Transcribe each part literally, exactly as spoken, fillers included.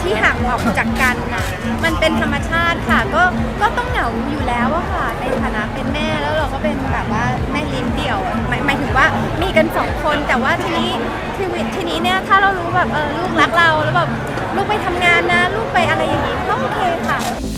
ที่ห่างออกจากกันนะมันเป็นธรรมชาติค่ะก็ก็ต้องเหงาอยู่แล้วอะค่ะในฐานะเป็นแม่แล้วเราก็เป็นแบบว่าแม่เลี้ยงเดี่ยวหมายหมายถึงว่ามีกันสองคนแต่ว่าทีนี้ทีวิตทีนี้เนี่ยถ้าเรารู้แบบเออลูกรักเราแล้วแบบลูกไปทำงานนะลูกไปอะไรอย่างนี้ก็โอเคค่ะ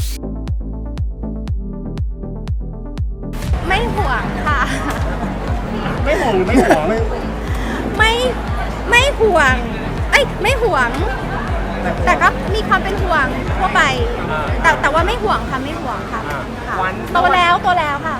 ไม่ห่วงค่ะไม่ห่วงหรือไม่ห่วงไม่ไม่ห่วงเอ้ยไม่ห่วง แต่ก็มีความเป็นห่วงทั่วไป แต่แต่ว่าไม่ห่วงค่ะไม่ห่วงค่ะค่ะโตแล้วโตแล้วค่ะ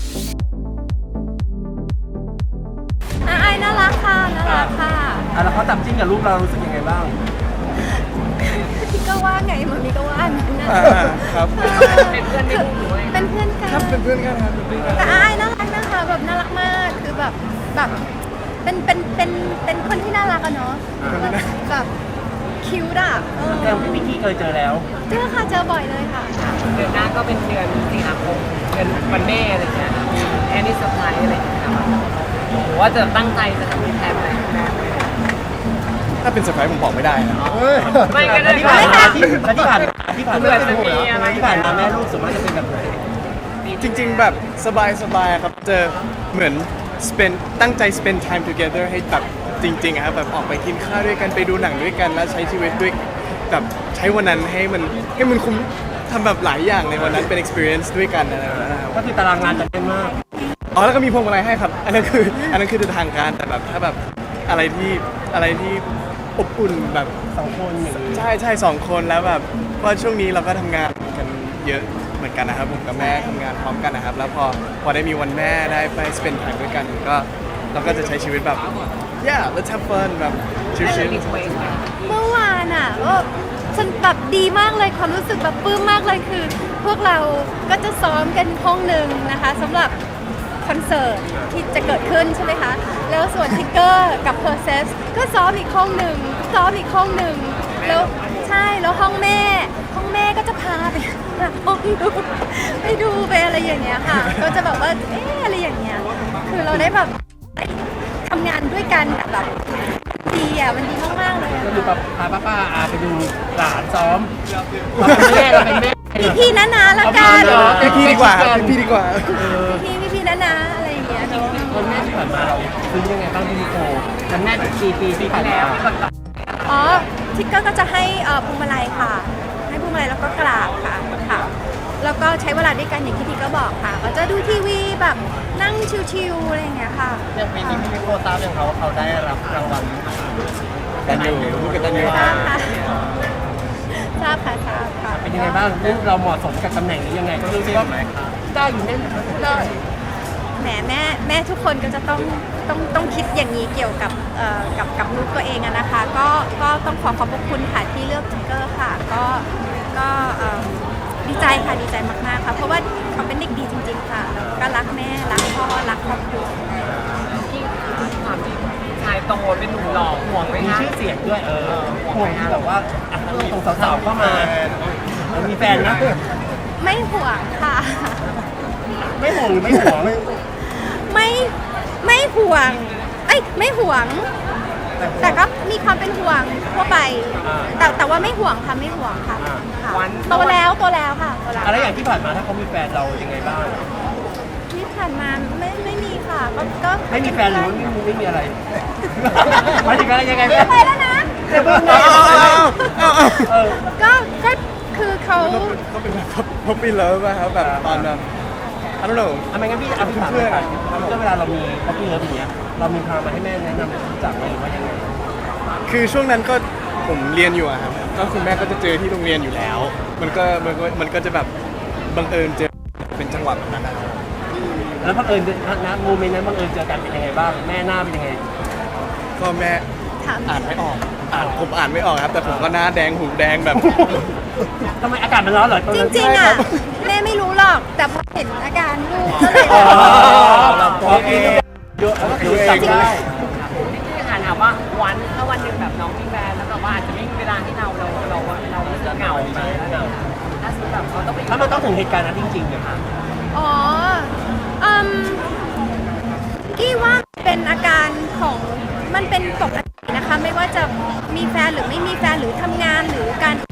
อ่ะไอ้น่ารักค่ะน่ารักค่ะอ่ะแล้วเขาจับจิ้นกับลูกเรารู้สึกยังไงบ้างพี่ก็ว่าไงมันมีก็ว่างั้นนะครับเป็นเพื่อนไม่รู้เป็นเพื่อนกันครับเป็นเพื่อนกันครับเป็นเพื่อนกันแต่ไอ้น่ารักนะคะแบบน่ารักมากคือแบบแบบเป็นเป็นเป็นเป็นคนที่น่ารักอะเนาะแบบคิ้วด่ะเออแต่พี่มิกกี้เคยเจอแล้วเจอค่ะเจอบ่อยเลยค่ะเดือนหน้าก็เป็นเดือนสิงหาคมเดือนวันแม่อะไรอย่างเงี้ยมีแอนนี่เซอร์ไพรส์อะไรอย่างเงี้ยครับหรือว่าจะตั้งใจจะทำเป็นแทนอะไรแม่ไหมถ้าเป็นเซอร์ไพรส์ผมบอกไม่ได้นะไม่ก็ได้ที่ผ่านมาที่ที่ผ่านที่ผ่านเผื่มาอจะมีอะไรที่ผ่านมาแม่ลูกส่วนมากจะเป็นแบบไหนจริงๆแบบสบายๆครับเจอเหมือน spend ตั้งใจ spend time together ให้แบบจริงๆอะครับแบบออกไปกินข้าวด้วยกันไปดูหนังด้วยกันแล้วใช้ชีวิตด้วยแบบใช้วันนั้นให้มันให้มันคุ้มทำแบบหลายอย่างในวันนั้นเป็น experience ด้วยกันอะไรแบบนั้นนะครับก็คือตารางงานจะเต็มมากอ๋อแล้วก็มีพวงมาลัยให้ครับอันนั้นคืออันนั้นคือทางการแต่แบบถ้าแบบอะไรที่อะไรที่อบอุ่นแบบสองคนอย่างนี้ใช่ใช่สองคนแล้วแบบเพราะช่วงนี้เราก็ทำงานกันเยอะเหมือนกันนะครับผมกับแม่ทำงานพร้อมกันนะครับแล้วพอพอได้มีวันแม่ได้ไป spend time ด้วยกันก็เราก็จะใช้ชีวิตแบบ yeah let's have fun แบบชิไม่ได้ลมีเวสไหมเมื่อวานอ่ะก็ฉันแบบดีมากเลยความรู้สึกแบบปลื้มมากเลยคือ พวกเราก็จะซ้อมกันห้องหนึ่งนะคะสำหรับคอนเสิร์ตที่จะเกิดขึ้นใช่ไหมคะแล้วส่วนทิกเกอร์กับเพอร์เซสก็ซ้อมอีกห้องหนึ่งซ้อมอีกห้องหนึ่งแล้วใช่แล้วห้องแม่ ห้องแม่ก็จะพาไปหาห้องดูไปดูไปอะไรอย่างเงี้ยค่ะ ก็จะแบบว่าเอ๊ะอะไรอย่างเงี้ยคือเราได้แบบทำงานด้วยกันแต่แบบดีอ่ะมันดีมากๆเลยอะก็คือแบบพาป้าป้าอาไปดูหลานซ้อมเราเป็นแม่เราเป็นแม่พี่พี่นะนะละกันๆพี่พี่ดีกว่าครับพี่ดีกว่าพี่พี่พี่นะนะอะไรอย่างเงี้ยเนาะวันแม่ที่ผ่านมาเราซื้อยังไงบ้างพี่นิโควันแม่ปีปีที่ผ่านมาอ๋อทิกเกอร์ก็จะให้เอ่อพวงมาลัยค่ะ ให้พวงมาลัยแล้วก็กราบค่ะค่ะ แล้วก็ใช้เวลาด้วยกันอย่างที่ทิกเกอร์บอกค่ะก็จะดูทีวีแบบนั่งชิวๆอะไรอย่างเงี้ยค่ะอย่างปีนี้พี่นิโคทราบยังเขาเขาได้รับรางวัลกันอยู่พูดกันอยู่ทราบค่ะทราบค่ะทราบค่ะเป็นยังไงบ้างลูกเราเหมาะสมกับตำแหน่งนี้ยังไงก็รู้สึกว่าได้อยู่แน่ได้แหมแม่แม่ทุกคนก็จะต้องต้องต้องคิดอย่างนี้เกี่ยวกับเอ่อกับกับลูกตัวเองอะนะคะ ก็ก็ต้องขอขอบพระคุณค่ะที่เลือกทิกเกอร์ค่ะ ก็ก็เอิ่มดีใจค่ะดีใจมากๆค่ะเพราะว่าเขาเป็นเด็กดีจริง ๆ ค่ะแล้วก็รักแม่รักพ่อรักครอบครัวที่ความจริงชายโตเป็นหนุ่มหล่อห่วงไหมมีคะชื่อเสียงด้วยเออห่วงที่แบบว่าอ่ะตรงสาวๆเข้ามามีแฟนนะไม่ห่วงค่ะไม่ห่วงหรือไม่ห่วงไม่ไม่ห่วงเอ้ยไม่ห่วง แต่ก็มีความเป็นห่วงทั่วไป แต่แต่ว่าไม่ห่วงค่ะไม่ห่วงค่ะค่ะโตแล้วโตแล้วค่ะโตแล้วอะไรอย่างที่ผ่านมาถ้าเขามีแฟนเรายังไงบ้างที่ผ่านมาไม่ไม่มีค่ะก็ก็ไม่มีแฟนหรือว่าไม่มีไม่มีอะไรหมายถึงอะไรยังไงเดี๋ยวไปแล้วนะเดี๋ยวเพิ่งนะเออก็ก็คือเขาก็เป็นแบบพบปีเลิฟอะครับแบบตอนแบบ I don't know ทำไมงั้นพี่เอาพี่ถามเลยค่ะก็เวลาเรามีป๊อปปี้เลิฟอย่างเงี้ยเรามีพามาให้แม่แนะนำรู้จักไหมหรือว่ายังไงคือช่วงนั้นก็ผมเรียนอยู่อะครับก็คุณแม่ก็จะเจอที่โรงเรียนอยู่แล้ว มันก็มันก็มันก็จะแบบบังเอิญเจอเป็นจังหวะแบบนั้นนะครับแล้วบังเอิญนะโมเมนต์นั้นบังเอิญเจอกันเป็นยังไงบ้างแม่หน้าเป็นยังไงก็แม่ถามอ่านไม่ออกอ่านผมอ่านไม่ออกครับ แต่ผมก็หน้าแดงหูแดงแบบทำไมอากาศมันร้อนเหรอตอนจนั้นริงๆอ่ะแม่ไม่รู้หรอกแต่พอเห็นอาการลูกก็เลยอ๋อเราพอกินเยอะแล้วก็คือจับได้ที่ถามว่าวันถ้าวันหนึ่งแบบน้องมีแฟนแล้วแบบว่าอาจจะไม่มีเวลาให้เราเราเราเราจะเหงาไหมถ้าสมมติแบบเขาต้องไปถ้ามันต้องถึงเหตุการณ์นั้นจริงๆเนี่ยอ๋ออืมกี้ว่าเป็นอาการของมันเป็นปกตินะคะ ไม่ว่าจะมีแฟนหรือไม่มีแฟนหรือทำงานหรือการที่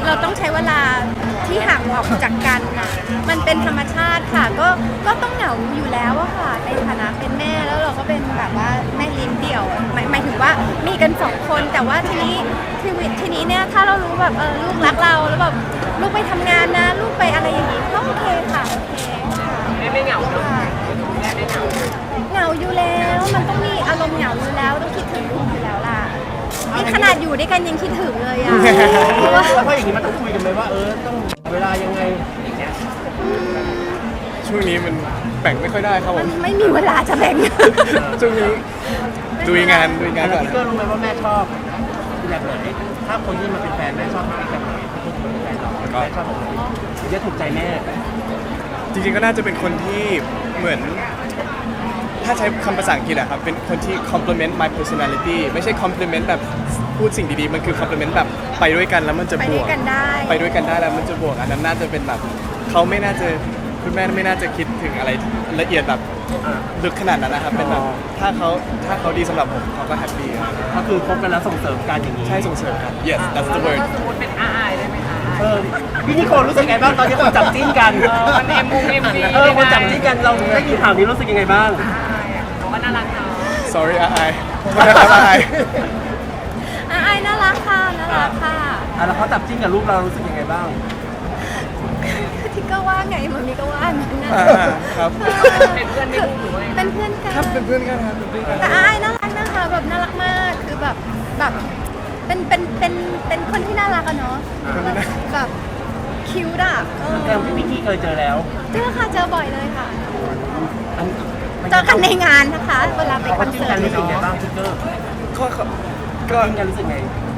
เราต้องใช้เวลาที่ห่างออกจากกันน่ะมันเป็นธรรมชาติค่ะก็ก็ต้องเหงาอยู่แล้วอะค่ะในฐานะเป็นแม่แล้วเราก็เป็นแบบว่าแม่เลี้ยงเดี่ยวหมายหมายถึงว่ามีกันสองคนแต่ว่าทีนี้ทีวิตทีนี้เนี่ยถ้าเรารู้แบบเออลูกรักเราแล้วแบบลูกไปทำงานนะลูกไปอะไรอย่างนี้ก็โอเคค่ะโอเคค่ะแม่ไม่เหงาเนาะค่ะแม่ไม่เหงาเหงาอยู่แล้วมันต้องมีอารมณ์เหงาอยู่แล้วต้องคิดถึงลูกอยู่แล้วล่ะนี่ขนาดอยู่ด้วยกันยังคิดถึงเลยอ่ะเพราะว่าแล้วพออย่างนี้มันต้องคุยกันไหมว่าเออต้องเวลายังไงอย่างเงี้ยช่วงนี้มันแบ่งไม่ค่อยได้ครับผมันมไม่มีเวลาจะแบ่งช่วงนี้ดูงานดูงานแล้วก่อนพี่ก็รู้ไหมว่าแม่ชอบแบบไหนถ้าคนที่มาเป็นแฟนแม่ชอบแบบไหนถ้าคนที่มาเป็นแฟนเราแม่ชอบแบบไหนถึงจะถูกใจแม่จริงๆก็น่าจะเป็นคนที่เหมือน ถ้าใช้คำภาษาอังกฤษอะครับเป็นคนที่ complement my personality ไม่ใช่ compliment แบบพูดสิ่งดีๆ มันคือ compliment แบบไปด้วยกันแล้วมันจะไปบด้ววกยกันได้ไปด้วยกันได้แล้วมันจะบวกอันนั้นน่าจะเป็นแบบเขาไม่น่าจะคุณแม่ไม่น่าจะคิดถึงอะไรละเอียดแบบอ่าลึกขนาดนั้นนะครับเป็นแบบอ๋อถ้าเขาถ้าเขาดีสำหรับผมเขาก็แฮปปี้ครับก็คือคบกันแล้วส่งเสริมกันอย่างนี้ใช่ส่งเสริมกัน yes that's the แล้ว word ก็สมมติเป็นอาอายได้ไหมคะเออพี่นิโคลรู้สึกไงบ้างตอนที่คนจับจิ้นกันเออมันเอ็มมุงเอ็มวีเออคนจับจิ้นกันเราได้ยินข่าวนี้รู้สึกยังไงบ้างอาอายอ่ะเขาก็น่ารักเนาะ sorry อายโทษนะครับอายอ่ะไอ้น่ารักค่ะน่ารักค่ะอ่ะแล้วเขาจับจิ้นกับลูกเรารู้สึกยังไงบ้างที่ก็ว่าไงมันมีก็ว่างั้นนะอ่าครับเป็นเพื่อนไม่รู้หรือว่ายังไงเป็นเพื่อนกันครับเป็นเพื่อนกันครับเป็นเพื่อนกันแต่ไอ้น่ารักนะคะแบบน่ารักมากคือแบบแบบเป็นเป็นเป็นเป็นคนที่น่ารักอะเนาะแบบแบบคิ้วด่ะเออแต่พี่พิกกี้เคยเจอแล้วเจอค่ะเจอบ่อยเลยค่ะอันเจอกันในงานนะคะ เวลาไปคเขาอนจิ้นเสิกัร์นตรู้สึกยังไงเนาะบ้างทิกเกอร์ก็ก็จิ้นกันรู้สึกไง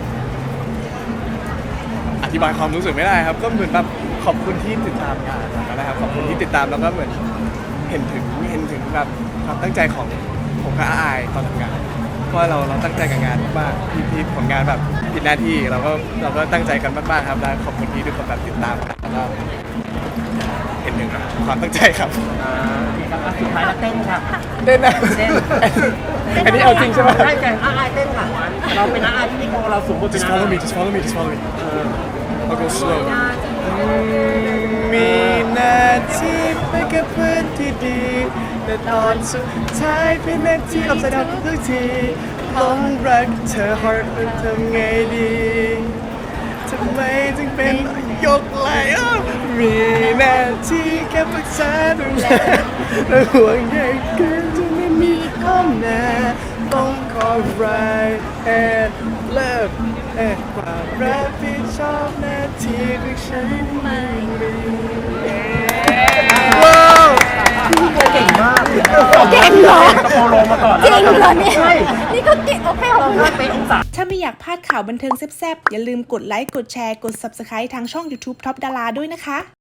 อธิบายความรู้สึกไม่ได้ครับ ก็เหมือนแบบขอบคุณที่ติดตามงานนะครับขอบคุณที่ติดตามแล้วก็เหมือนเห็นถึงเห็นถึงแบบความตั้งใจของผมกับอาอายตอนทำงานเพราะว่าเราเราตั้งใจกับงานมากๆที่ที่ผลงานแบบผิดหน้าที่เราก็เราก็ตั้งใจกันมากๆครับและขอบคุณที่ทุกคนแบบติดตามกันแล้วก็เห็นถึงความตั้งใจครับอ่าโอเคครับอ่ะสุดท้ายแล้วเต้นค่ะเต้นนะเต้นอันนี้เอาจริงใช่ไหมใช่แต่อาอายเต้นค่ะเราเป็นอาอายพี่นิโคลเราสูงบทเป็น just อา follow อาย me just follow me just follow me เออ I'll go slow มีหน้าที่ไปกับเพื่อนที่ดี แต่ตอนสุดท้ายเป็นหน้าที่อับสดาทุกทีหลงรักเธอ heart ทำไงดีทำไมถึงเป็นยกไหลอ้าวมีหน้าที่แค่ปรึกษาดูแลและห่วงใยกันจนไม่มีข้อแม้ต้องขอ right and left เอ่อความรับผิดชอบหน้าที่ของฉันไม่มีว้าวเก่งมากเก่งเหรอกระโปรงลงมาก่อนจริงเหรอเนี่ยใช่นี่ก็เก่งโอเคขอบคุณถ้าเป็นองศาถ้าไม่อยากพลาดข่าวบันเทิงแซ่บๆ อย่าลืมกดไลค์ กดแชร์ กด Subscribe ทางช่อง YouTube Top Dara ด้วยนะคะ